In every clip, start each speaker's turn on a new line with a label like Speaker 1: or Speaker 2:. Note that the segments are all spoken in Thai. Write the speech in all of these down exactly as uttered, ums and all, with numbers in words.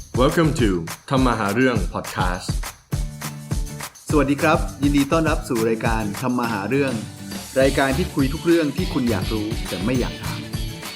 Speaker 1: Welcome to ทำมาหาเรื่อง podcast
Speaker 2: สวัสดีครับยินดีต้อนรับสู่รายการทำมาหาเรื่องรายการที่คุยทุกเรื่องที่คุณอยากรู้แต่ไม่อยากถาม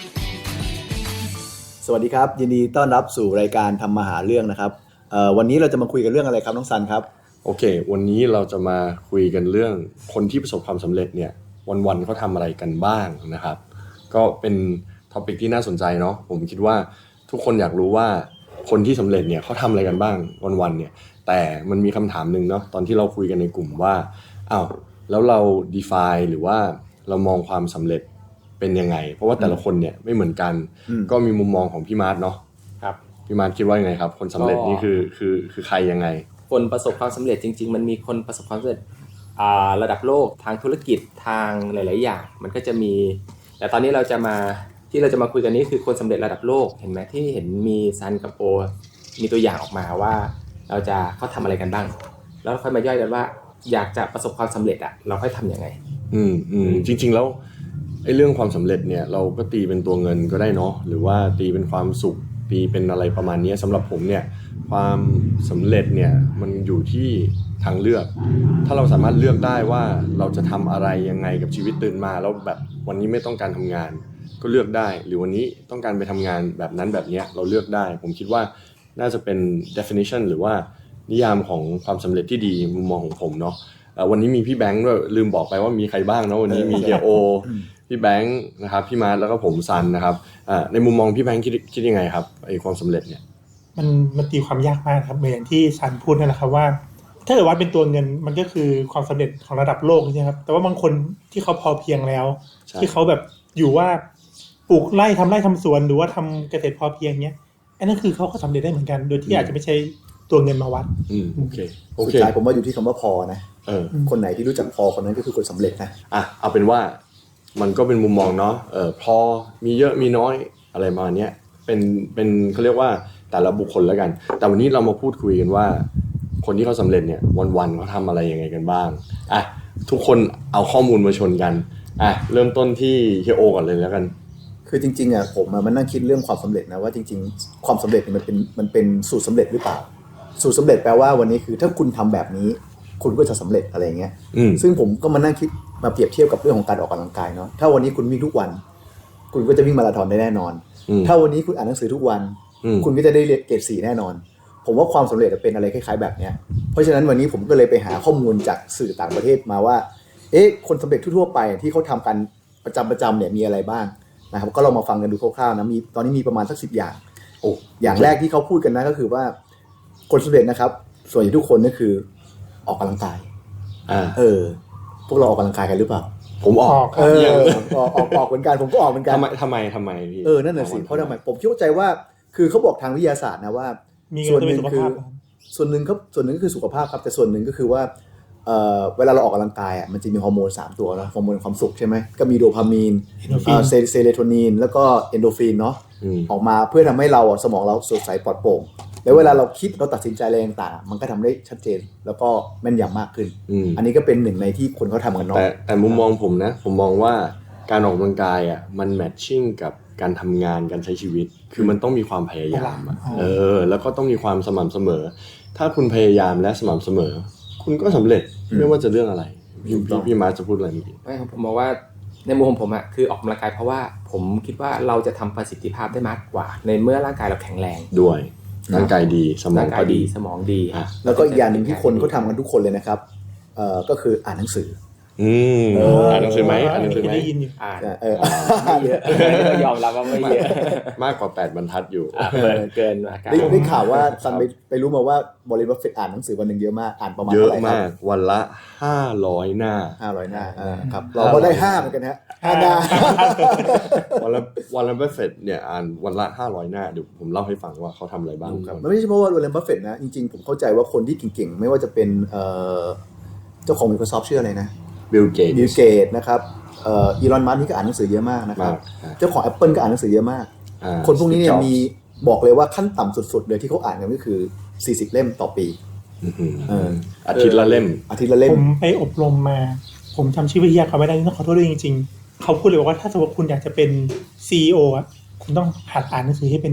Speaker 2: สวัสดีครับยินดีต้อนรับสู่รายการทำมาหาเรื่องนะครับเอ่อวันนี้เราจะมาคุยกันเรื่องอะไรครับน้องซันครับ
Speaker 1: โอเควันนี้เราจะมาคุยกันเรื่องคนที่ประสบความสำเร็จเนี่ยวันๆเขาทำอะไรกันบ้างนะครับก็เป็นท็อปิกที่น่าสนใจเนาะผมคิดว่าทุกคนอยากรู้ว่าคนที่สำเร็จเนี่ยเขาทำอะไรกันบ้างวันๆเนี่ยแต่มันมีคำถามนึงเนาะตอนที่เราคุยกันในกลุ่มว่าอ้าวแล้วเรา define หรือว่าเรามองความสำเร็จเป็นยังไงเพราะว่าแต่ละคนเนี่ยไม่เหมือนกันก็มีมุมมองของพี่มาร์ทเนาะครับพี่มาร์ทคิดว่ายังไงครับคนสำเร็จนี่คือคือคือใครยังไง
Speaker 3: คนประสบความสำเร็จจริงๆมันมีคนประสบความสำเร็จระดับโลกทางธุรกิจทางหลายๆอย่างมันก็จะมีแต่ตอนนี้เราจะมาที่เราจะมาคุยกันนี้คือคนสำเร็จระดับโลกเห็นไหมที่เห็นมีซันกับโอมีตัวอย่างออกมาว่าเราจะเขาทำอะไรกันบ้างแล้วค่อยมาย่อยกันว่าอยากจะประสบความสำเร็จอ่ะเราค่อยทำยังไง
Speaker 1: อืมอืมจริงๆแล้วไอ้เรื่องความสำเร็จเนี่ยเราก็ตีเป็นตัวเงินก็ได้เนาะหรือว่าตีเป็นความสุขตีเป็นอะไรประมาณนี้สำหรับผมเนี่ยความสำเร็จเนี่ยมันอยู่ที่ทางเลือกถ้าเราสามารถเลือกได้ว่าเราจะทำอะไรยังไงกับชีวิตตื่นมาแล้วแบบวันนี้ไม่ต้องการทำงานก็เลือกได้หรือวันนี้ต้องการไปทำงานแบบนั้นแบบนี้เราเลือกได้ผมคิดว่าน่าจะเป็น definition หรือว่านิยามของความสำเร็จที่ดีมุมมองของผมเนาะวันนี้มีพี่แบงค์ด้วยลืมบอกไปว่ามีใครบ้างเนาะวันนี้มีเฮียโอพี่แบงค์นะครับพี่มาร์ทแล้วก็ผมซันนะครับในมุมมองพี่แบงค์คิดคิดยังไงครับไอ้ความสำเร็จเนี่ย
Speaker 4: มันมันตีความยากมากครับเหมือนที่ซันพูดนั่นแหละครับว่าถ้าเกิดวัดเป็นตัวเงินมันก็คือความสำเร็จของระดับโลกใช่ไหมครับแต่ว่าบางคนที่เขาพอเพียงแล้วที่เขาแบบอยู่ว่าปลูกไร่ทำไร่ทำสวนหรือว่าทำเกษตรพอเพียงเนี้ยอันนั้นคือเขาก็สำเร็จได้เหมือนกันโดยที่อาจจะไม่ใช่ตัวเงินมาวัด
Speaker 1: อืมโอเคโอเค
Speaker 2: สุดท้ายผมว่าอยู่ที่คำว่าพอนะ
Speaker 1: เออ
Speaker 2: คนไหนที่รู้จักพอคนนั้นก็คือคนสำเร็จนะ
Speaker 1: อ่ะเอาเป็นว่ามันก็เป็นมุมมองเนาะเออพอมีเยอะมีน้อยอะไรมาเนี้ยเป็นเป็นเขาเรียกว่าแต่ละบุคคลแล้วกันแต่วันนี้เรามาพูดคุยกันว่าคนที่เขาสำเร็จเนี่ยวันๆเขาทำอะไรยังไงกันบ้างอ่ะทุกคนเอาข้อมูลมาชนกันอ่ะเริ่มต้นที่เฮียโอก่อนเลยแล้วกัน
Speaker 2: คือจริงๆอ่ะผมมันนั่งคิดเรื่องความสำเร็จนะว่าจริงๆความสำเร็จมันเป็นมันเป็นสูตรสำเร็จหรือเปล่าสูตรสำเร็จแปลว่าวันนี้คือถ้าคุณทำแบบนี้คุณก็จะสำเร็จอะไรเงี้ยซึ่งผมก็มานั่งคิดมาเปรียบเทียบกับเรื่องของการออกกำลังกายเนาะถ้าวันนี้คุณวิ่งทุกวันคุณก็จะวิ่งมาราธอนได้แน่นอนถ้าวันนี้คุณอ่านหนังสือทุกวันคุณก็จะได้เกรดสี่แน่นอนผมว่าความสำเร็จเป็นอะไรคล้ายๆแบบเนี้ยเพราะฉะนั้นวันนี้ผมก็เลยไปหาข้อมูลจากสื่อต่างประเทศมาว่าเอ๊ะคนสำเร็จทั่วๆไปที่เขาทำกันประจำประจำเนี่ยมีอะไรบ้างนะครับก็ลองมาฟังกันดูคร่าวๆนะมีตอนนี้มีประมาณสักสิบอย่างโอ้อย่างแรกที่เขาพูดกันนะก็คือว่าคนสำเร็จนะครับส่วนใหญ่ทุกคนก็คือออกกำลังกาย
Speaker 1: อ่า
Speaker 2: เออพวกเราออกกำลังกายกันหรือเปล่า
Speaker 1: ผมออก
Speaker 2: เออออกออกออกเหมือนกันผมก็ออกเหมือนกัน
Speaker 1: ทำไมทำไมทำไมพี่
Speaker 2: เออนั่นแหละสิเพราะทำไมผมคิดว่าใจว่าคือเขาบอกทางวิทยาศาสตร์นะว่าส่วนหนึ่งคือส่วนหนึ่งครับส่วนหนึ่งก็คือสุขภาพครับแต่ส่วนหนึ่งก็คือว่าเอ่อเวลาเราออกกำลังกายอ่ะมันจะมีฮอร์โมนสามตัวนะฮอร์โมนความสุขใช่ไหมก็มีโดพามีนเอ่อเซโรโทนินแล้วก็เอนโดฟินเนาะออกมาเพื่อทำให้เราสมองเราสดใสปลอดโปร่งแล้วเวลาเราคิดเราตัดสินใจอะไรต่างๆมันก็ทำได้ชัดเจนแล้วก็แม่นยำมากขึ้นอันนี้ก็เป็นหนึ่งในที่คนเขาทำกันเนาะ
Speaker 1: แต่แต่มุมมองผมนะผมมองว่าการออกกำลังกายอ่ะมันแมทชิ่งกับการทำงานการใช้ชีวิตคือมันต้องมีความพยายามอ่ะเออแล้วก็ต้องมีความสม่ำเสมอถ้าคุณพยายามและสม่ำเสมอคุณก็สำเร็จไม่ว่าจะเรื่องอะไรพี่พี่มาร์ทจะพูดอะไรเมื่อกี้
Speaker 3: ไม่ผมมองว่าในมุมของผมอ่ะคือออกกำลังกายเพราะว่าผมคิดว่าเราจะทำประสิทธิภาพได้มากกว่าในเมื่อร่างกายเราแข็งแรง
Speaker 1: ด้วยร่างกายดีสมองก็ดี
Speaker 3: สมองดี
Speaker 2: แล้วก็อีกอย่างนึงที่คนเขาทำกันทุกคนเลยนะครับเอ่อก็คืออ่านหนังสือ
Speaker 1: อืมอ่านหนังสือไหมอ่านหนังสือไหม
Speaker 4: ได้ยินอยู่
Speaker 3: อ่านเออไม่เยอะยอมรับว่าไม่เยอะ
Speaker 1: มากกว่าแปดบรรทัดอยู่
Speaker 3: เกินเกิน
Speaker 2: ได้ได้ข่าวว่าซันไปไปรู้มาว่าบริบัฟเฟตต์อ่านหนังสือวันนึงเยอะมากอ่านประมาณ
Speaker 1: เย
Speaker 2: อะ
Speaker 1: อะ
Speaker 2: ไหร่ครับ
Speaker 1: มากวันละห้าร้อยหน้า
Speaker 2: ห้าร้อยหน้าอ่าครับเราก็ได้ห้าเหมือนกันฮะห้าหน้า
Speaker 1: วันละวันละบัฟเฟตต์เนี่ยอ่านวันละห้าร้อยหน้าเดี๋ยวผมเล่าให้ฟังว่าเขาทำอะไรบ้าง
Speaker 2: ครับมันไม่ใช่เพราะว่าวอร์เรนบัฟเฟตต์นะจริงๆผมเข้าใจว่าคนที่เก่งๆไม่ว่าจะเป็นเอ่อเจ้าของ Microsoft ชื่ออะไรนะ
Speaker 1: บิลเกตส์
Speaker 2: บิลเกตส์นะครับเอ่ออีลอนมัสก์นี่ก็อ่านหนังสือเยอะมากนะครับเจ้าของ Apple ก็อ่านหนังสือเยอะมากคนพวกนี้เนี่ยมีบอกเลยว่าขั้นต่ำสุดๆเลยที่เขาอ่านกันก็คือสี่สิบเล่มต่อปี
Speaker 1: เอออาทิตย์ละเล่ม
Speaker 2: อาทิตย์ละเล่ม
Speaker 4: ผมไปอบรมมาผมจำชื่อวิทยาเขาไม่ได้ต้องขอโทษด้วยจริงๆเขาพูดเลยว่าถ้าสมมติคุณอยากจะเป็น ซี อี โอ อ่ะคุณต้องหัดอ่านหนังสือให้เป็นก่อน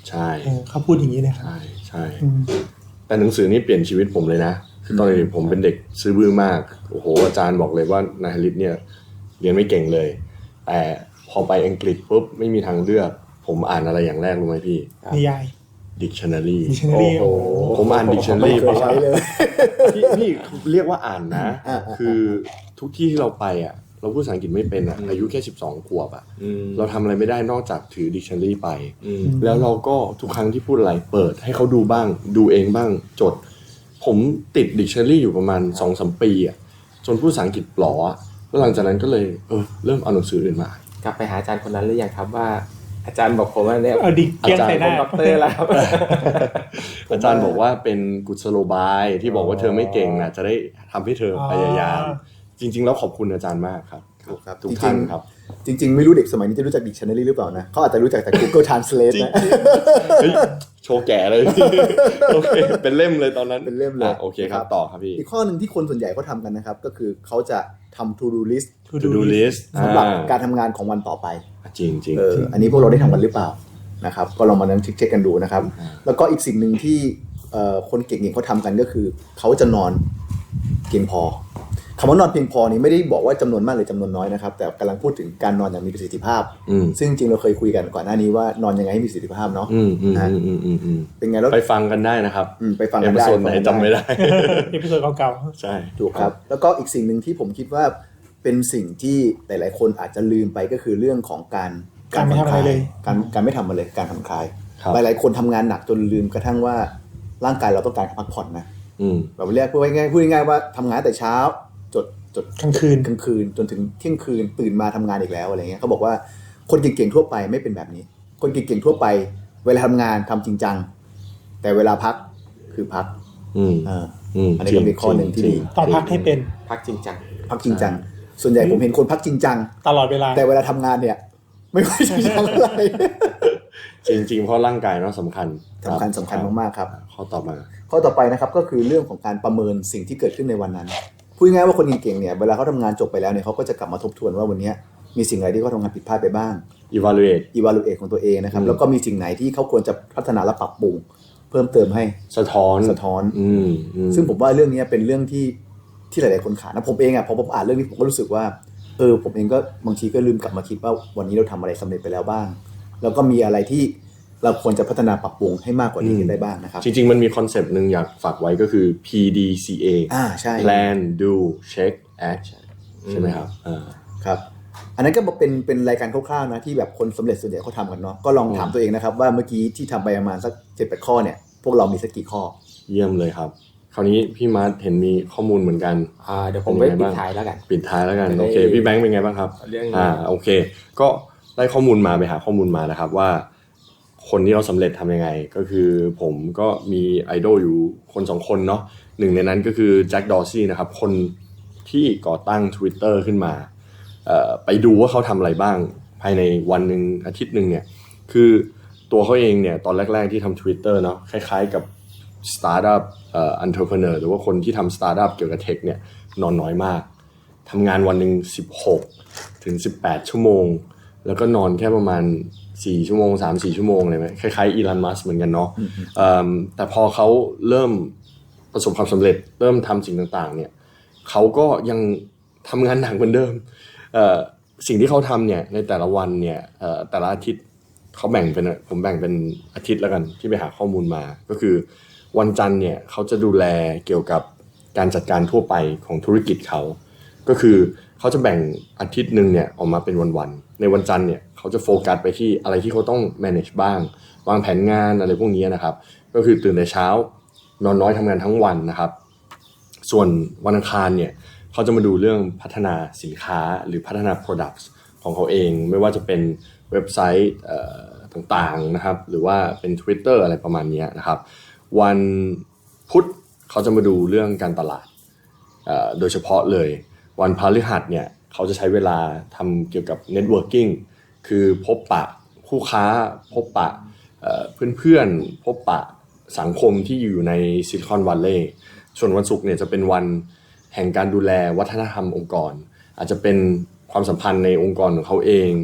Speaker 1: ใช่
Speaker 4: เออเขาพูดอย่างนี้เลยครับ
Speaker 1: ใช่ใช่
Speaker 4: อืม
Speaker 1: แต่หนังสือนี่เปลี่ยนชีวิตผมเลยนะคือตอนเด็กผมเป็นเด็กซื่อบื้อมากโอ้โหอาจารย์บอกเลยว่านายฮาริสเนี่ยเรียนไม่เก่งเลยแต่พอไปอังกฤษปุ๊บไม่มีทางเลือกผมอ่านอะไรอย่างแรกรู้ไหมพี่
Speaker 4: นิยาย
Speaker 1: dictionary
Speaker 4: dictionary
Speaker 2: โอ้โห
Speaker 1: ผมอ่าน dictionary
Speaker 2: ไม่เคยใช้เลย
Speaker 1: พี่พี่เรียกว่าอ่านนะ
Speaker 2: อ่า
Speaker 1: คือทุกที่ที่เราไปอ่ะเราพูดภาษาอังกฤษไม่เป็นอ่ะอายุแค่สิบสองขวบอ่ะ
Speaker 3: อืม
Speaker 1: เราทำอะไรไม่ได้นอกจากถือ dictionary ไป
Speaker 3: อืม
Speaker 1: แล้วเราก็ทุกครั้งที่พูดอะไรเปิดให้เขาดูบ้างดูเองบ้างจด ผมติด dictionary อยู่ประมาณ สองถึงสาม ปีอ่ะจนพูดภาษาอังกฤษปลออะแล้วหลังจากนั้นก็เลยเออเริ่มเอาหนังสืออื่นมา
Speaker 3: กลับไปหาอาจารย์คนนั้นหรือยังครับว่า อาจารย์บอกผมว่าเนี่ย
Speaker 4: เอาดิเกลี้ยงใส่ห
Speaker 3: ผ
Speaker 4: น้า
Speaker 3: มด็อกเตอร์แล้วครับ
Speaker 1: อาจารย์บอกว่าเป็นกุศโลบายที่บอกว่าเธอไม่เก่งนะจะได้ทำให้เธอพยายาม
Speaker 4: อ๋อ
Speaker 1: จริง ๆ แล้วขอบคุณอาจารย์มากครับ
Speaker 2: ครับ
Speaker 1: ทุก
Speaker 2: จริงๆ
Speaker 1: ท่านครับ
Speaker 2: จริง ๆ ไม่รู้เด็กสมัยนี้จะรู้จัก dictionary หรือเปล่านะเขาอาจจะรู้จักแต่ Google Translate นะ
Speaker 1: เฮ้ยโชว์แก่เลย โอเคเป็นเล่มเลยตอนนั้น
Speaker 2: เป็นเล่มเลย
Speaker 1: อ่ะโอเคครับต่อครับพี่
Speaker 2: อีกข้อหนึ่งที่คนส่วนใหญ่เขาทำกันนะครับ ก็คือเขาจะทำ to do list
Speaker 4: to
Speaker 1: to
Speaker 4: do
Speaker 1: do
Speaker 4: list
Speaker 1: list
Speaker 2: สำหรับ
Speaker 1: อ่า
Speaker 2: การทำงานของวันต่อไป
Speaker 1: จริงจริง
Speaker 2: เอออันนี้พวกเราได้ทำกันหรือเปล่านะครับก็ลองมานั่งเช็คๆกันดูนะครับ แล้วก็อีกสิ่งหนึ่งที่เอ่อคนเก่งๆเขาทำกันก็คือเขาจะนอนเพียงพอคำว่านอนเพียงพอนี้ไม่ได้บอกว่าจำนวนมากหรือจำนวนน้อยนะครับแต่กำลังพูดถึงการนอนอย่างมีประสิทธิภาพ
Speaker 1: อืม
Speaker 2: ซึ่งจริงๆเราเคยคุยกันก่อนหน้านี้ว่านอนยังไงให้มีประสิทธิภาพเนาะ
Speaker 1: อืมอืม
Speaker 2: นะ
Speaker 1: อืมอืมอืมอืม
Speaker 2: เป็นไงแล้ว
Speaker 1: ไปฟังกันได้นะครับ
Speaker 2: อืมไปฟัง
Speaker 1: เอ
Speaker 2: กัน
Speaker 1: พิ
Speaker 2: ได้
Speaker 1: โซดไหน
Speaker 2: ฟังกัน
Speaker 1: จำไม่ได้
Speaker 4: เอพิโซดเก่า
Speaker 1: ใช่
Speaker 2: ถูกครับแล้วก็อีกสิ่งหนึ่งที่ผมคิดว่าเป็นสิ่งที่หลายๆคนอาจจะลืมไปก็คือเรื่องของการ
Speaker 4: การไม่ทำอะไรเลย
Speaker 2: การการไม่ทำอะไรเลยการผ่อนคลาย
Speaker 1: ครับ
Speaker 2: หลายๆคนทำงานหนักจนลืมกระทั่งว่าร่างกายเราต้องการพักผ่อนนะ
Speaker 1: อืม
Speaker 2: แบบเรียกพูดง่ายๆพูดง่ายๆว่าทำงานแต่เช้าจดจด
Speaker 4: ๆกลางคืน
Speaker 2: กลางคืนจนถึงเที่ยงคืนตื่นมาทำงานอีกแล้วอะไรเงี้ยเขาบอกว่าคนเก่งๆทั่วไปไม่เป็นแบบนี้ คนเก่งๆทั่วไป เวลาทำงานทำจริงจังแต่เวลาพักคือพัก
Speaker 1: อืม
Speaker 2: เออ
Speaker 1: อืม
Speaker 2: อันนี้ก็เป็นข้อหนึ่งที่ดี
Speaker 4: ต้องพักให้เป็น
Speaker 3: พักจริงจัง
Speaker 2: พักจริงจังส่วนใหญ่ผมเห็นคนพักจริงจัง
Speaker 4: ตลอดเวลา
Speaker 2: แต่เวลาทำงานเนี่ยไม่ค่อยจริงจังเท่าไหร่
Speaker 1: จริงจริงๆเพราะร่างกายเนาะสำคัญ
Speaker 2: สำคัญสำคัญมากๆครับ
Speaker 1: ข้อต่อมา
Speaker 2: ข้อต่อไปนะครับก็คือเรื่องของการประเมินสิ่งที่เกิดขึ้นในวันนั้นพูดง่ายๆว่าคนเก่งๆเนี่ยเวลาเขาทำงานจบไปแล้วเนี่ยเขาก็จะกลับมาทบทวนว่าวันนี้มีสิ่งอะไรที่เขาทำงานผิดพลาดไปบ้าง
Speaker 1: evaluate
Speaker 2: evaluate ของตัวเองนะครับ
Speaker 1: อืม
Speaker 2: แล้วก็มีสิ่งไหนที่เขาควรจะพัฒนาและปรับปรุงเพิ่มเติมให้
Speaker 1: สะท้อน
Speaker 2: สะท้อน
Speaker 1: อืมอืม
Speaker 2: ซึ่งผมว่าเรื่องนี้เป็นเรื่องที่ที่หลายๆคนขาดนะผมเองอ่ะพอผมอ่านเรื่องนี้ผมก็รู้สึกว่าเออผมเองก็บางทีก็ลืมกลับมาคิดว่าวันนี้เราทำอะไรสำเร็จไปแล้วบ้าง แล้วก็มีอะไรที่เราควรจะพัฒนาปรับปรุงให้มากกว่านี้ได้บ้างนะครับ
Speaker 1: จริงๆมันมีคอนเซปต์หนึ่งอยากฝากไว้ก็คือ พี ดี ซี เอ
Speaker 2: อ่าใช่
Speaker 1: plan do check act ใช่ไหมครับอ่า
Speaker 2: ครับอันนั้นก็เป็นเป็นรายการคร่าวๆนะที่แบบคนสำเร็จส่วนใหญ่เขาทำกันเนาะก็ลองถามตัวเองนะครับว่าเมื่อกี้ที่ทำไปประมาณสักเจ็ดแปดข้อเนี่ยพวกเรามีสักกี่ข้อ
Speaker 1: เยี่ยมเลยครับ คราวนี้พี่มาร์ทเห็นมีข้อมูลเหมือนกัน
Speaker 3: อ่าเดี๋ยวผมไป
Speaker 1: เป็นไง
Speaker 3: ปิด
Speaker 1: บ้าง
Speaker 3: ท้ายแล้วกัน
Speaker 1: ปิดท้ายแล้วกัน
Speaker 3: จะได้
Speaker 1: โอเคพี่แบงค์เป็นไงบ้างครับ
Speaker 3: เรื่อง
Speaker 1: อ่าโอเค ก็ได้ข้อมูลมาไปหาข้อมูลมานะครับว่า คนที่เราสำเร็จทำยังไง ก็คือผมก็มีไอดอลอยู่คนสองคนเนาะหนึ่งในนั้นก็คือแจ็คดอร์ซี่นะครับคนที่ก่อตั้ง Twitter ขึ้นมาเอ่อไปดูว่าเขาทำอะไรบ้างภายในวันหนึ่งอาทิตย์หนึ่งเนี่ยคือตัวเขาเองเนี่ยตอนแรกๆที่ทำ Twitter เนาะคล้ายๆกับสตาร์ทอัพเอ่อ entrepreneur หรือว่าคนที่ทำสตาร์ทอัพเกี่ยวกับเทคเนี่ยนอนน้อยมากทำงานวันหนึ่งสิบหกถึงสิบแปดชั่วโมงแล้วก็นอนแค่ประมาณสี่ชั่วโมง สามสี่ ชั่วโมงเลยไหมคล้ายๆอีลอนมัสก์เหมือนกันเนาะเอิ่มแต่พอเขาเริ่มประสบความสำเร็จเริ่มทำสิ่งต่างๆเนี่ยเขาก็ยังทำงานหนักเหมือนเดิมเอ่อสิ่งที่เขาทำเนี่ยในแต่ละวันเนี่ยเอ่อแต่ละอาทิตย์เขาแบ่งเป็นผมแบ่งเป็นอาทิตย์แล้วกันที่ไปหาข้อมูลมาก็คือวันจันทร์เนี่ยเขาจะดูแลเกี่ยวกับการจัดการทั่วไปของธุรกิจเขาก็คือเขาจะแบ่งอาทิตย์หนึ่งเนี่ยออกมาเป็นวันๆในวันจันทร์เนี่ยเขาจะโฟกัสไปที่อะไรที่เขาต้อง manage บ้างวางแผนงานอะไรพวกนี้นะครับก็คือตื่นแต่เช้านอนน้อยทำงานทั้งวันนะครับส่วนวันอังคารเนี่ยเขาจะมาดูเรื่องพัฒนาสินค้าหรือพัฒนา products ของเขาเองไม่ว่าจะเป็นเว็บไซต์เอ่อต่างๆนะครับหรือว่าเป็น Twitter อะไรประมาณนี้นะครับวันพุธเขาจะมาดูเรื่องการตลาดเอ่อโดยเฉพาะเลยวันพฤหัสเนี่ยเขาจะใช้เวลาทำเกี่ยวกับ networking คือพบปะคู่ค้าพบปะเอ่อเพื่อนๆพบปะสังคมที่อยู่ในซิลิคอนวัลเลย์ส่วนวันศุกร์เนี่ยจะเป็นวันแห่งการดูแลวัฒนธรรมองค์กรอาจจะเป็นความสัมพันธ์ในองค์กรของเขาเอง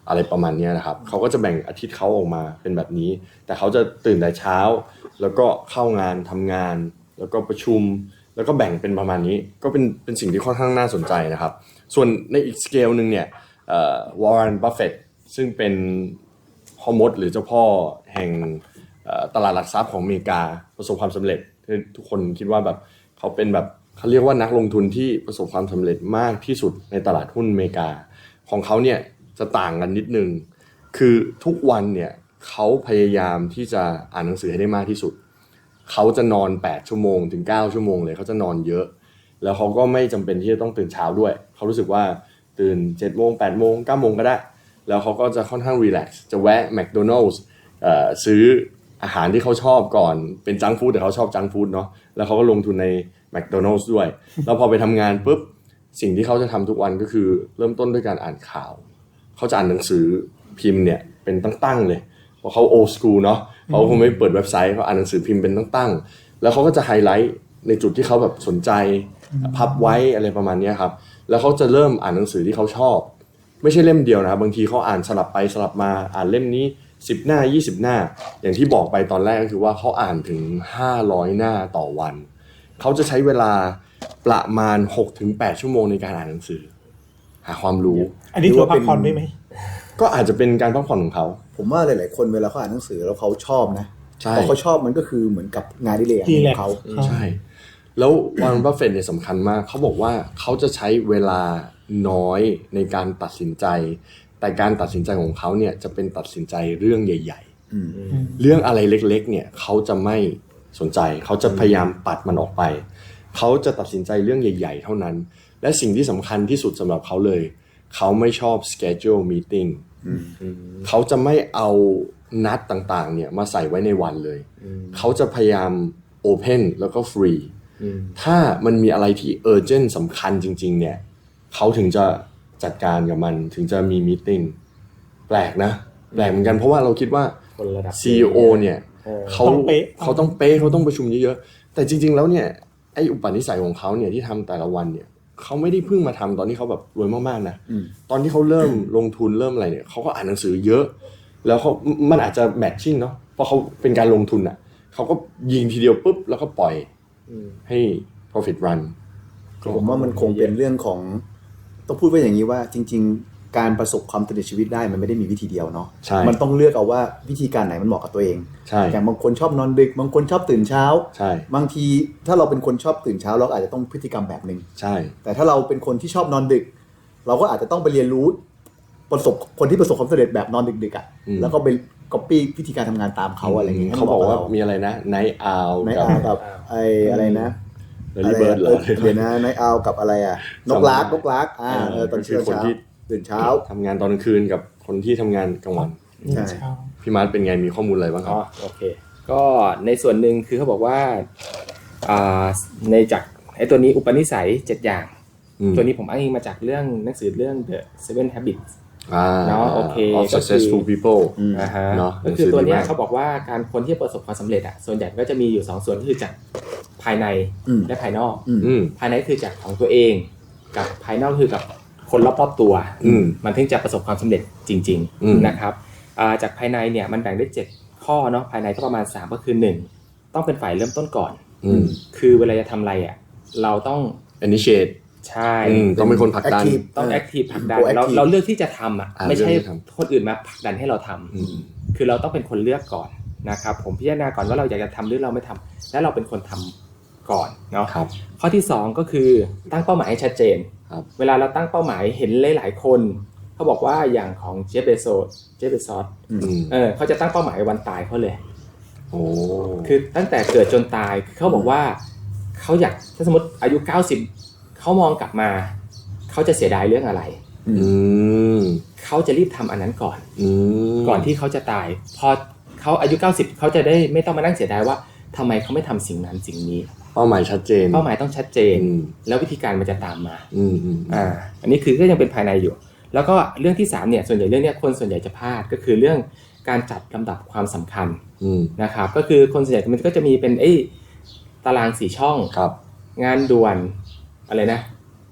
Speaker 1: อะไรประมาณนี้นะครับเขาก็จะแบ่งอาทิตย์เขาออกมาเป็นแบบนี้แต่เขาจะตื่นแต่เช้าแล้วก็เข้างานทำงานแล้วก็ประชุมแล้วก็แบ่งเป็นประมาณนี้ก็เป็นเป็นสิ่งที่ค่อนข้างน่าสนใจนะครับส่วนในอีกสเกลนึงเนี่ยวอร์เรน บัฟเฟตต์ซึ่งเป็นพ่อมดหรือเจ้าพ่อแห่งตลาดหลักทรัพย์ของอเมริกาประสบความสำเร็จทุกคนคิดว่าแบบเขาเป็นแบบเขาเรียกว่านักลงทุนที่ประสบความสำเร็จมากที่สุดในตลาดหุ้นอเมริกาของเขาเนี่ยจะต่างกันนิดนึงคือทุกวันเนี่ยเขาพยายามที่จะอ่านหนังสือให้ได้มากที่สุดเขาจะนอนแปดชั่วโมงถึงเก้าชั่วโมงเลยเขาจะนอนเยอะแล้วเขาก็ไม่จำเป็นที่จะต้องตื่นเช้าด้วยเขารู้สึกว่าตื่นเจ็ดโมงแปดโมงเก้าโมงก็ได้แล้วเขาก็จะค่อนข้างรีแลกซ์จะแวะแมคโดนัลด์เอ่อซื้ออาหารที่เขาชอบก่อนเป็นจังก์ฟู้ดแต่เขาชอบจังก์ฟู้ดเนาะแล้วเขาก็ลงทุนในแมคโดนัลด์ด้วยแล้วพอไปทำงานปุ๊บสิ่งที่เขาจะทำทุกวันก็คือเริ่มต้นด้วยการอ่านข่าวเขาจะอ่านหนังสือพิมพ์เนี่ยเป็นตั้งๆเลยเพราะเขาโอสกูลเนาะเขาคงไม่เปิดเว็บไซต์เขาอ่านหนังสือพิมพ์เป็นตั้งๆแล้วเขาก็จะไฮไลท์ในจุดที่เขาแบบสนใจพับไว้อะไรประมาณนี้ครับแล้วเขาจะเริ่มอ่านหนังสือที่เขาชอบไม่ใช่เล่มเดียวนะครับบางทีเขาอ่านสลับไปสลับมาอ่านเล่มนี้สิบหน้ายี่สิบหน้าอย่างที่บอกไปตอนแรกก็คือว่าเขาอ่านถึงห้าร้อยหน้าต่อวันเขาจะใช้เวลาประมาณ หกถึงแปด ชั่วโมงในการอ่านหนังสือหาความรู้
Speaker 4: อันนี้ถือว่าพักผ่อนได้ไหม
Speaker 1: ก็อาจจะเป็นการพักผ่อนของเขา
Speaker 2: ผมว่าหลายๆคนเวลาเขาอ่านหนังสือแล้วเขาชอบนะพอเขาชอบมันก็คือเหมือนกับงานอดิเรกของเขา
Speaker 1: ใช่แล้ววอร์เรน บัฟเฟตต์เนี่ยสำคัญมากเขาบอกว่าเขาจะใช้เวลาน้อยในการตัดสินใจแต่การตัดสินใจของเขาเนี่ยจะเป็นตัดสินใจเรื่องใหญ่ๆเรื่องอะไรเล็กๆเนี่ยเขาจะไม่สนใจเขาจะพยายามปัดมันออกไปเขาจะตัดสินใจเรื่องใหญ่ๆเท่านั้นและสิ่งที่สำคัญที่สุดสำหรับเขาเลยเขาไม่ชอบ schedule meeting เขาจะไม่เอานัดต่างๆเนี่ยมาใส่ไว้ในวันเลยเขาจะพยายาม open แล้วก็ free ถ้ามันมีอะไรที่ urgent สำคัญจริงๆเนี่ยเขาถึงจะจัดการกับมันถึงจะมี meeting แปลกนะแปลกเหมือนกันเพราะว่าเราคิดว่า ซี อี โอ เนี่ยเขาเขาต้องเป๊ะเขาต้องประชุมเยอะๆแต่จริงๆแล้วเนี่ยไอ้อุปนิสัยของเขาเนี่ยที่ทำแต่ละวันเนี่ยเขาไม่ได้เพิ่งมาทำตอนที่เขาแบบรวยมากๆนะตอนที่เขาเริ่มลงทุนเริ่มอะไรเนี่ยเขาก็อ่านหนังสือเยอะแล้วเขามันอาจจะแมทชิ่งเนาะเพราะเขาเป็นการลงทุนอ่ะเขาก็ยิงทีเดียวปุ๊บแล้วก็ปล่อยให้ profit run
Speaker 2: ผมว่ามันคงเป็นเรื่องของต้องพูดว่าอย่างนี้ว่าจริงๆการประสบความสำเร็จชีวิตได้มันไม่ได้มีวิธีเดียวเนาะมันต้องเลือกเอาว่าวิธีการไหนมันเหมาะกับตัวเองอย่างบางคนชอบนอนดึกบางคนชอบตื่นเช้าบางทีถ้าเราเป็นคนชอบตื่นเช้าเราอาจจะต้องพฤติกรรมแบบนึงแต่ถ้าเราเป็นคนที่ชอบนอนดึกเราก็อาจจะต้องไปเรียนรู้ประสบคนที่ประสบความสำเร็จแบบนอนดึกๆอ่ะแล้วก็ไปก๊อปปี้วิธีการทำงานตามเขาอะไรอย่างเงี้ย
Speaker 1: เขาบอกว่ามีอะไรนะ Night Owl
Speaker 2: กับไอ้อะไรนะ
Speaker 1: Early Bird เหรอ
Speaker 2: เดี๋ยวนะ Night Owl กับอะไรอ่ะนกลักนกลักอ่าเออตอนเช้าคนที่ตื่นเช้า
Speaker 1: ทำงานตอนกลางคืนกับคนที่ทำงานกลางวัน
Speaker 2: ใช่
Speaker 1: พี่มาร์ทเป็นไงมีข้อมูลอะไรบ้างครับ
Speaker 3: อ๋อโอเคก็ในส่วนหนึ่งคือเขาบอกว่าอ่าในจากไอ้ตัวนี้อุปนิสัยเจ็ดอย่างตัวนี้ผมอ้างอิงมาจากเรื่องหนังสือเรื่อง The Seven Habits เนาะโอเค
Speaker 1: of successful people
Speaker 3: อ่าฮะก็คือตัวนี้เขาบอกว่าการคนที่ประสบความสำเร็จอ่ะส่วนใหญ่ก็จะมีอยู่สองส่วนคือจากภายในและภายนอกภายในคือจากของตัวเองกับภายนอกคือกับคนรอบๆตัวมันถึงจะประสบความสำเร็จจริงๆนะครับจากภายในเนี่ยมันแบ่งได้เจ็ดข้อเนาะภายในก็ประมาณสามก็คือหนึ่งต้องเป็นฝ่ายเริ่มต้นก่อนคือเวลาจะทำอะไรอ่ะเราต้อง
Speaker 1: initiate
Speaker 3: ใช่
Speaker 1: ต้องเป็นคนผลักดัน
Speaker 3: ต้องแอคทีฟผลักดันเราเราเลือกที่จะทำอ่ะไม่ใช่คนอื่นมาผลักดันให้เราทำคือเราต้องเป็นคนเลือกก่อนนะครับผมพิจารณาก่อนว่าเราอยากจะทำหรือเราไม่ทำแล้วเราเป็นคนทำก่อนเนาะข้อที่สองก็คือตั้งเป้าหมายให้ชัดเจนเวลาเราตั้งเป้าหมายเห็นหลายๆคนเขาบอกว่าอย่างของเจฟเบโซสเจฟเบซอสเออเขาจะตั้งเป้าหมายวันตายเขาเลย
Speaker 1: โอ้
Speaker 3: คือตั้งแต่เกิดจนตายเขาบอกว่าเขาอยากถ้าสมมติอายุเก้าสิบเขามองกลับมาเขาจะเสียดายเรื่องอะไรเขาจะรีบทำอันนั้นก่อนก่อนที่เขาจะตายพอเขาอายุเก้าสิบเขาจะได้ไม่ต้องมานั่งเสียดายว่าทำไมเขาไม่ทำสิ่งนั้นสิ่งนี้
Speaker 1: เป้าหมายชัดเจน
Speaker 3: เป้าหมายต้องชัดเจนแล้ววิธีการมันจะตามมาอ่าอันนี้คือก็ยังเป็นภายในอยู่แล้วก็เรื่องที่สามเนี่ยส่วนใหญ่เรื่องนี้คนส่วนใหญ่จะพลาดก็คือเรื่องการจัดลำดับความสำคัญนะครับก็คือคนส่วนใหญ่มันก็จะมีเป็นไอ้ตารางสี่ช่องงานด่วนอะไรนะ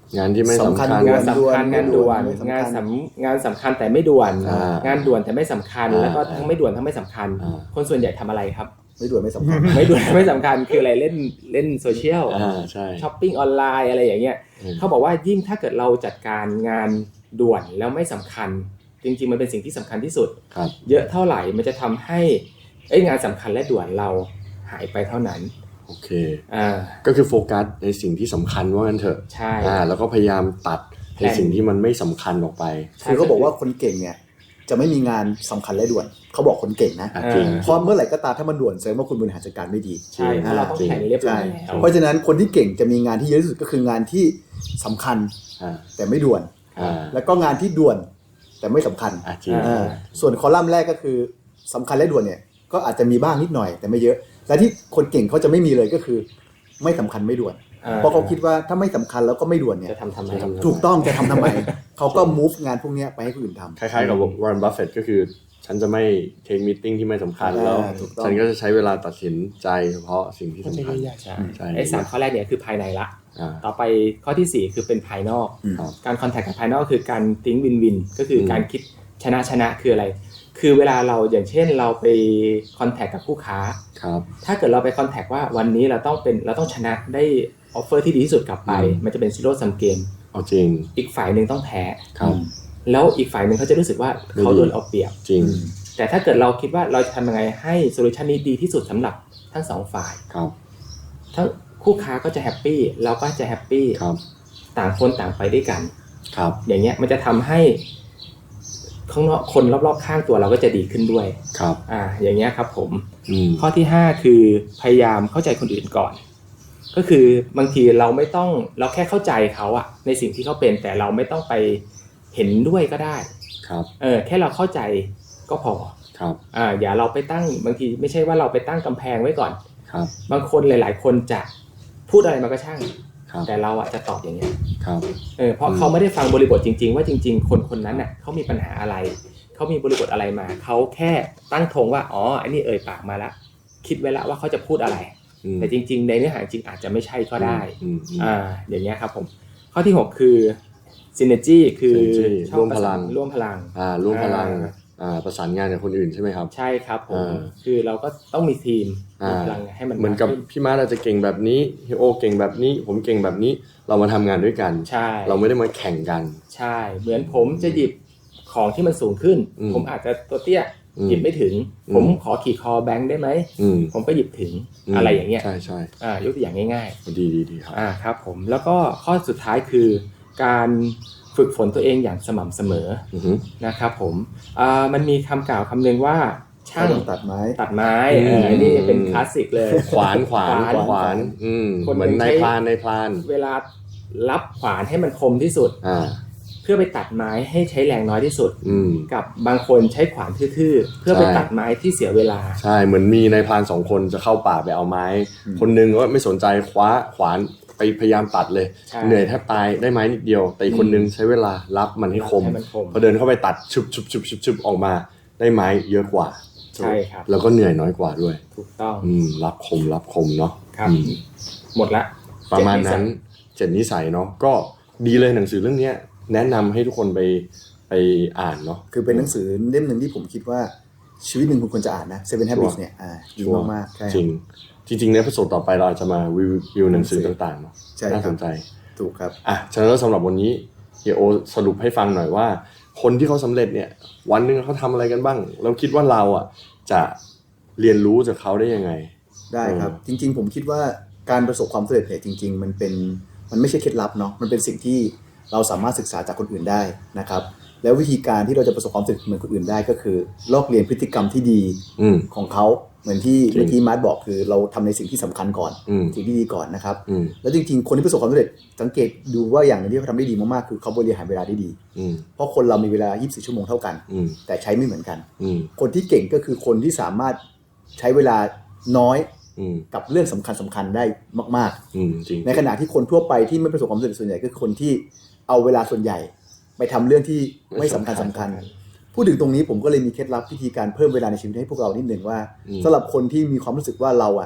Speaker 1: งานที่ไม่สำคัญ
Speaker 2: สำคัญ
Speaker 3: งานสำคัญงานด่วน
Speaker 2: ไม่สำคัญ
Speaker 3: งานสำงานสำคัญแต่ไม่ด่วน
Speaker 1: อ่าง
Speaker 3: านด่วนแต่ไม่สำคัญ
Speaker 1: อ่า
Speaker 3: แล้วก็ทั้งไม่ด่วนทั้งไม่สำคัญ
Speaker 1: อ่า
Speaker 3: คนส่วนใหญ่ทำอะไรครับ
Speaker 2: ไม่ด่วนไม่สำคัญ
Speaker 3: ไม่ด่วนไม่สำคัญคืออะไรเล่นเล่นโซเชียล
Speaker 1: อ่าใช่
Speaker 3: ช้อปปิ้งออนไลน์อะไรอย่างเงี้ย
Speaker 1: อืม
Speaker 3: เขาบอกว่ายิ่งถ้าเกิดเราจัดการงานด่วนแล้วไม่สำคัญ จริงๆมันเป็นสิ่งที่สำคัญที่สุด
Speaker 1: ครับ
Speaker 3: เยอะเท่าไหร่มันจะทำให้เอ้ยงานสำคัญและด่วนเราหายไปเท่านั้น
Speaker 1: โอเค
Speaker 3: อ่า
Speaker 1: ก็คือโฟกัสในสิ่งที่สำคัญว่างั้นเถอะ
Speaker 3: ใช่
Speaker 1: อ่าแล้วก็พยายามตัดในสิ่งที่มันไม่สำคัญออกไป
Speaker 2: คือเขาบอกว่าคนเก่งเนี่ยจะไม่มีงานสำคัญและด่วนเขาบอกคนเก่งนะ
Speaker 1: อ่ะจริง
Speaker 2: เพราะเมื่อไหร่ก็ตามถ้ามันด่วนแสดงว่าคุณบริหารจัดการไม่ดี
Speaker 3: ใช่เพราะเราต้องแข่งเรียบร้อยแล้ว
Speaker 2: เพราะฉะนั้นคนที่เก่งจะมีงานที่เยอะที่สุดก็คืองานที่สำคัญ
Speaker 1: อ่า
Speaker 2: แต่ไม่ด่วน
Speaker 1: อ่า
Speaker 2: แล้วก็งานที่ด่วนแต่ไม่สำคัญ
Speaker 1: อ่ะจริง
Speaker 2: อ่าส่วนคอลัมน์แรกก็คือสำคัญและด่วนเนี่ยก็อาจจะมีบ้างนิดหน่อยแต่ไม่เยอะ และที่คนเก่งเขาจะไม่มีเลยก็คือไม่สำคัญไม่ด่วน
Speaker 3: อ่า
Speaker 2: เพราะเขาคิดว่าถ้าไม่สำคัญแล้วก็ไม่ด่วนเนี่ย
Speaker 3: จะทำทำไม
Speaker 1: จะทำ
Speaker 2: ถูกต้องจะทำทำไม เขาก็ move งานพวกเนี้ยไปให้คนอื่นทำ
Speaker 1: คล้ายๆกับวอร์เรน บัฟเฟตก็คือฉันจะไม่เทคมีตติ้งที่ไม่สำคัญ
Speaker 2: อ่า
Speaker 1: แล้ว
Speaker 2: ถูกต้อง
Speaker 1: ฉันก็จะใช้เวลาตัดสินใจเฉพาะสิ่งที่สำคัญ
Speaker 4: ใหญ่
Speaker 3: ใช่
Speaker 1: ใช่
Speaker 3: ไอ้สามข้อแรกเนี่ยคือภายในละ
Speaker 1: อ่า
Speaker 3: ต่อไปข้อที่สี่คือเป็นภายนอก
Speaker 2: อืม
Speaker 1: ครับ
Speaker 3: การคอนแทคกับภายนอกคือการติ้งวินวินก็คืออ
Speaker 1: ม
Speaker 3: การคิดชนะชนะคืออะไร คือเวลาเราอย่างเช่นเราไปคอนแทคกับผู้ค้า
Speaker 1: ครับ
Speaker 3: ถ้าเกิดเราไปคอนแทคว่าวันนี้เราต้องเป็นเราต้องชนะได้ออฟเฟอร์ที่ดีที่สุดกลับไป
Speaker 1: อืม
Speaker 3: มันจะเป็นซีโร่ซัมเกม
Speaker 1: เอาจริง
Speaker 3: อีกฝ่ายหนึ่งต้องแพ้
Speaker 1: ครับ
Speaker 3: แล้วอีกฝ่ายหนึ่งเขาจะรู้สึกว่าเขาโดนเอาเปรียบ
Speaker 1: จริง
Speaker 3: แต่ถ้าเกิดเราคิดว่าเราจะทำยังไงให้โซลูชันนี้ดีที่สุดสำหรับทั้งสองฝ่าย
Speaker 1: ครับ
Speaker 3: ทั้งคู่ค้าก็จะแฮปปี้เราก็จะแฮปปี้
Speaker 1: ครับ
Speaker 3: ต่างคนต่างไปด้วยกัน
Speaker 1: ครับ
Speaker 3: อย่างเงี้ยมันจะทำให้ข้างนอกคนรอบๆข้างตัวเราก็จะดีขึ้นด้วย
Speaker 1: ครับ
Speaker 3: อ่าอย่างเงี้ยครับผม
Speaker 1: อืม
Speaker 3: ข้อที่ห้าคือพยายามเข้าใจคนอื่นก่อน ก็คือบางทีเราไม่ต้องเราแค่เข้าใจเขาอะในสิ่งที่เขาเป็นแต่เราไม่ต้องไปเห็นด้วยก็ได้
Speaker 1: ครับ
Speaker 3: เออแค่เราเข้าใจก็พอ
Speaker 1: ครับ
Speaker 3: อ่าอย่าเราไปตั้งบางทีไม่ใช่ว่าเราไปตั้งกำแพงไว้ก่อน
Speaker 1: ครับ
Speaker 3: บางคนหลาย ๆ คนจะพูดอะไรมาก็ช่าง
Speaker 1: ครับ
Speaker 3: แต่เราอะจะตอบอย่างเงี้ย
Speaker 1: ครับ
Speaker 3: เออเพราะเขาไม่ได้ฟังบริบทจริง ๆ ว่าจริง ๆ คนคนนั้นน่ะเขามีปัญหาอะไรเขามีบริบทอะไรมาเขาแค่ตั้งธงว่าอ๋อไอ้นี่เอ่ยปากมาแล้วคิดไว้แล้วว่าเขาจะพูดอะไร
Speaker 1: อืม
Speaker 3: แต่จริง ๆ ในเนื้อหาจริงอาจจะไม่ใช่ก็ได้
Speaker 1: อืมอืม
Speaker 3: อ่าอย่างเงี้ยครับผมข้อที่หกคือ synergy คือ
Speaker 1: synergy
Speaker 3: ชอบ
Speaker 1: ร่วมพลัง
Speaker 3: ร่วมพลัง
Speaker 1: อ่าร่วมพลัง
Speaker 3: อ่า
Speaker 1: อ่าประสานงานกับคนอื่นใช่ไหมครับ
Speaker 3: ใช่ครับผม
Speaker 1: อ่า
Speaker 3: คือเราก็ต้องมีทีม
Speaker 1: อ่า
Speaker 3: มีพลังให้มัน
Speaker 1: เหมือนกับ
Speaker 3: าขึ้
Speaker 1: พี่มาร์ทอาจจะเก่งแบบนี้เฮโอเก่งแบบนี้ ผมเก่งแบบนี้เรามาทำงานด้วยกัน
Speaker 3: ใช่
Speaker 1: เราไม่ได้มาแข่งกัน
Speaker 3: ใช่ เหมือนผมจะหยิบของที่มันสูงขึ้น
Speaker 1: อืม
Speaker 3: ผมอาจจะตัวเตี้ย
Speaker 1: อืม
Speaker 3: หยิบไม่ถึง
Speaker 1: อืม
Speaker 3: ผมขอขี่คอแบงค์ได้ไหม
Speaker 1: อืม
Speaker 3: ผมก็หยิบถึง
Speaker 1: ม
Speaker 3: อะไรอย่างเงี้ย
Speaker 1: ใช่ใช่
Speaker 3: อ่ายกตัวอย่างง่าย
Speaker 1: ดีดีดีครับ
Speaker 3: ๆอ่าครับผมแล้วก็ข้อสุดท้ายคือ การฝึกฝนตัวเองอย่างสม่ำเสมอ
Speaker 1: อือฮึ
Speaker 3: นะครับผมอ่ามันมีคำกล่าวคำหนึ่งว่าช่าง
Speaker 2: ตัดไม้
Speaker 3: ตัดไม้
Speaker 1: อืม
Speaker 3: เอออันนี้เป็นคลาสสิกเลย
Speaker 1: ขวานขวาน
Speaker 3: ขวาน
Speaker 1: ขวานอืม
Speaker 3: คน
Speaker 1: เหมือน
Speaker 3: หนึ่ง
Speaker 1: ใน
Speaker 3: ใช้
Speaker 1: พรานในพราน
Speaker 3: เวลารับขวานให้มันคมที่สุด
Speaker 1: อ่า
Speaker 3: เพื่อไปตัดไม้ให้ใช้แรงน้อยที่สุด
Speaker 1: อืม
Speaker 3: กับบางคนใช้ขวานทื่อๆเพื่อไป
Speaker 1: ใช่
Speaker 3: ตัดไม้ที่เสียเวลา
Speaker 1: ใช่เหมือนมีในพรานสองคนจะเข้าป่าไปเอาไม้
Speaker 2: อืม
Speaker 1: คนหนึงก็ไม่สนใจคว้าขวานไปพยายามตัดเลย
Speaker 3: ใช่
Speaker 1: เหนื่อยแทบตายได้ไม้นิดเดียว แต่อีกคนนึงใช้เวลารับมันให้คม
Speaker 3: ให้มันคม
Speaker 1: พอเดินเข้าไปตัดชุบชุบชุบชุบชุบออกมาได้ไม้เยอะกว่า
Speaker 3: ใช่ครับ
Speaker 1: แล้วก็เหนื่อยน้อยกว่าด้วย
Speaker 3: ถูกต้อง
Speaker 1: อืมรับคมรับคมเนาะ
Speaker 3: ครับ
Speaker 1: อืม
Speaker 3: หมดละ
Speaker 1: ประมาณนั้น
Speaker 3: เจ็ดนิสัย
Speaker 1: เจ็ดนิสัยเนาะก็ดีเลยหนังสือเรื่องเนี้ยแนะนำให้ทุกคนไปไปอ่านเนาะ
Speaker 2: คือเป็นหนังสือเล่มหนึ่งที่ผมคิดว่าชีวิตหนึ่งคุณควรจะอ่านนะ Seven
Speaker 1: ชัว
Speaker 2: Habits
Speaker 1: ร์
Speaker 2: เนี่ยอ่าดี
Speaker 1: ชัวร์
Speaker 2: มากๆใช่
Speaker 1: จริงจริงๆในเอพิโซดต่อไปเราอาจจะมารีวิวหนังสือต่างๆเนาะ
Speaker 2: ใช่ครับ
Speaker 1: น่าสนใจ
Speaker 2: ถูกครับ
Speaker 1: อ่ะฉะนั้นแล้วสำหรับวันนี้เฮียโอสรุปให้ฟังหน่อยว่า คนที่เขาสำเร็จเนี่ยวันหนึ่งเขาทำอะไรกันบ้างเราคิดว่าเราอ่ะจะเรียนรู้จากเขาได้ยังไง
Speaker 2: ได้ครับ
Speaker 1: เออ
Speaker 2: จริงๆ ผมคิดว่าการประสบความสำเร็จเนี่ยจริง ๆ มันเป็นมันไม่ใช่เคล็ดลับเนาะมันเป็นสิ่งที่เราสามารถศึกษาจากคนอื่นได้นะครับแล้ววิธีการที่เราจะประสบความสำเร็จเหมือนคนอื่นได้ก็คือลอกเรียนพฤติกรรมที่ดี
Speaker 1: อืม
Speaker 2: ของเขาเหมือนที่
Speaker 1: จริง
Speaker 2: เมื่อกี้มาร์ทบอกคือเราทำในสิ่งที่สำคัญก่อน
Speaker 1: อืม
Speaker 2: สิ่งที่ดีก่อนนะครับ
Speaker 1: อืม
Speaker 2: แล้วจริงๆ คนที่ประสบความสำเร็จสังเกตดูว่าอย่างหนึงที่เขาทำได้ดีมากๆคือเขาบริหารเวลาได้ดี
Speaker 1: อืม
Speaker 2: เพราะคนเรามีเวลายี่สิบสี่ชั่วโมงเท่ากัน
Speaker 1: อืม
Speaker 2: แต่ใช้ไม่เหมือนกัน
Speaker 1: อืม
Speaker 2: คนที่เก่งก็คือคนที่สามารถใช้เวลาน้อย
Speaker 1: อืม
Speaker 2: กับเรื่องสำคัญสำคัญได้มาก
Speaker 1: อืมจริง
Speaker 2: ๆ ในขณะที่คนทั่วไปที่ไม่ประสบความสำเร็จส่วนใหญ่ก็คือคนที่เอาเวลาส่วนใหญ่ ไปทำเรื่องที่ไม่สำคัญสำคัญ พูดถึงตรงนี้ผมก็เลยมีเคล็ดลับวิธีการเพิ่มเวลาในชีวิตให้พวกเรานิดหนึ่งว่า
Speaker 1: อืม
Speaker 2: สำหรับคนที่มีความรู้สึกว่าเราอะ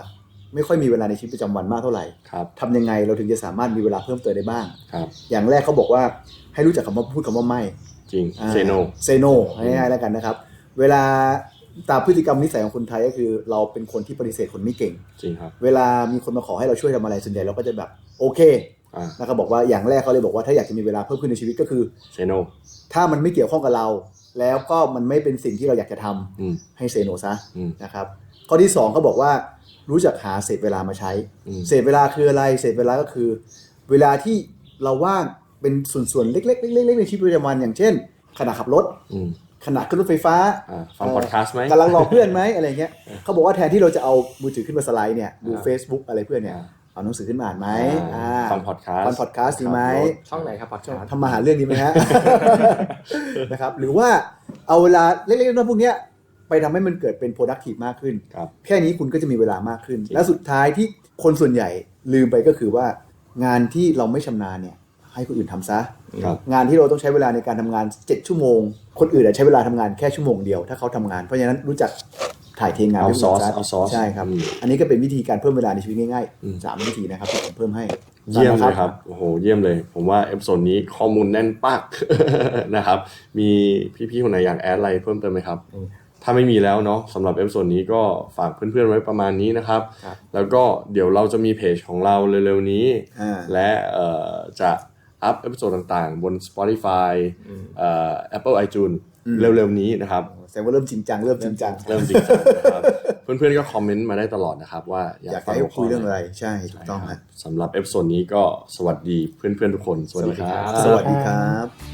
Speaker 2: ไม่ค่อยมีเวลาในชีวิตประจำวันมากเท่าไหร่
Speaker 1: ครับ
Speaker 2: ทำยังไงเราถึงจะสามารถมีเวลาเพิ่มเติมได้บ้าง
Speaker 1: ครับ
Speaker 2: อย่างแรกเขาบอกว่าให้รู้จักคำว่าพูดคำว่าไม่
Speaker 1: จริงเซโน
Speaker 2: เซโนง่ายๆแล้วกันนะครับเวลาตามพฤติกรรมนิสัยของคนไทยก็คือเราเป็นคนที่ปฏิเสธคนไม่เก่ง
Speaker 1: จริงครับ
Speaker 2: เวลามีคนมาขอให้เราช่วยทำอะไรส่วนใหญ่เราก็จะแบบโอเค
Speaker 1: อ่า
Speaker 2: แล้วก็บอกว่าอย่างแรกเขาเลยบอกว่าถ้าอยากจะมีเวลาเพิ่มขึ้นในชีวิตก็คือ
Speaker 1: เซโน
Speaker 2: ถ้ามันไม่เกี่ยวข้องกับเรา แล้วก็มันไม่เป็นสิ่งที่เราอยากจะทำ
Speaker 1: อืม
Speaker 2: ให้เซโนซะ
Speaker 1: อืม
Speaker 2: นะครับข้อที่สองเขาบอกว่ารู้จักหาเศษเวลามาใช้
Speaker 1: อืม
Speaker 2: เศษเวลาคืออะไรเศษเวลาก็คือ เวลาที่เราว่างเป็นส่วนๆเล็กๆเล็กๆในชีวิตประจำวันอย่างเช่นขณะขับรถ
Speaker 1: อืม
Speaker 2: ขณะขึ้นรถไฟฟ้า
Speaker 1: อ่าฟังพอดแคสต์ไหม
Speaker 2: กำลังรอเพื่อนไหมอะไรเงี้ยเขาบอกว่าแทนที่เราจะเอามือถือขึ้นมาสไลด์เนี่ยดู
Speaker 1: อ่า
Speaker 2: Facebook อะไรเพื่อนเนี่ย
Speaker 1: อ่า
Speaker 2: เอาหนังสือขึ้นมาอ่านไหม
Speaker 1: อ่าฟัง podcast
Speaker 2: ฟังพอดแคสต์ดีไหม
Speaker 3: ช่องไหนครับพอดแคสต์
Speaker 2: ทำมาหาเรื่องดีไหมฮะ นะครับหรือว่าเอาเวลาเล็กๆน้อยๆพวกเนี้ยไปทำให้มันเกิดเป็น productive มากขึ้น
Speaker 1: ครับ
Speaker 2: แค่นี้คุณก็จะมีเวลามากขึ้น
Speaker 1: จริง
Speaker 2: และสุดท้ายที่คนส่วนใหญ่ลืมไปก็คือว่างานที่เราไม่ชำนาญเนี่ยให้คนอื่นทำซะ
Speaker 1: ครับ
Speaker 2: งานที่เราต้องใช้เวลาในการทำงานเจ็ดชั่วโมง คนอื่นอาจใช้เวลาทำงานแค่ชั่วโมงเดียวถ้าเขาทำงานเพราะฉะนั้นรู้จักถ่ายเทงานให้คนอื่น
Speaker 1: Outsource
Speaker 2: ซะ
Speaker 1: Outsource
Speaker 2: ใช่ครับ
Speaker 1: อืม
Speaker 2: อันนี้ก็เป็นวิธีการเพิ่มเวลาในชีวิตง่าย
Speaker 1: อืม
Speaker 2: ๆสามวิธีนะครับที่ผมเพิ่มให้
Speaker 1: เยี่ยมเลยครับ โอ้โห เยี่ยมเลย ผมว่าเอพิโซดนี้ข้อมูลแน่นปัก นะครับ มีพี่ๆคนไหนอยากแอดอะไรเพิ่มเติมไหมครับ ถ้าไม่มีแล้วเนาะสำหรับเอพิโซดนี้ก็ฝากเพื่อนๆไว้ประมาณนี้นะครับ
Speaker 3: ครับ
Speaker 1: แล้วก็เดี๋ยวเราจะมีเพจของเราเร็วๆนี้
Speaker 2: อ่า
Speaker 1: และเอ่อจะอัพเอพิโซดต่างๆ บน Spotify เอ่อ Apple iTunes เร็วๆนี้นะครับ
Speaker 2: แสดงว่าเริ่มจริงจังเริ่มจริงจัง
Speaker 1: เริ่มจริงจังนะครับ เพื่อนๆก็คอมเมนต์มาได้ตลอดนะครับว่าอยาก
Speaker 2: อยาก
Speaker 1: ฟัง
Speaker 2: ให้
Speaker 1: หัวข้
Speaker 2: คุยเรื่องอะไรใช่ถูกต้อง
Speaker 1: ใช่ค
Speaker 2: ค
Speaker 1: รั
Speaker 2: รั
Speaker 1: บบ สำหรับเอพิโซดนี้ก็สวัสดีเพื่อนๆทุกคน สวัสดีครับ
Speaker 2: สวัสดีครับ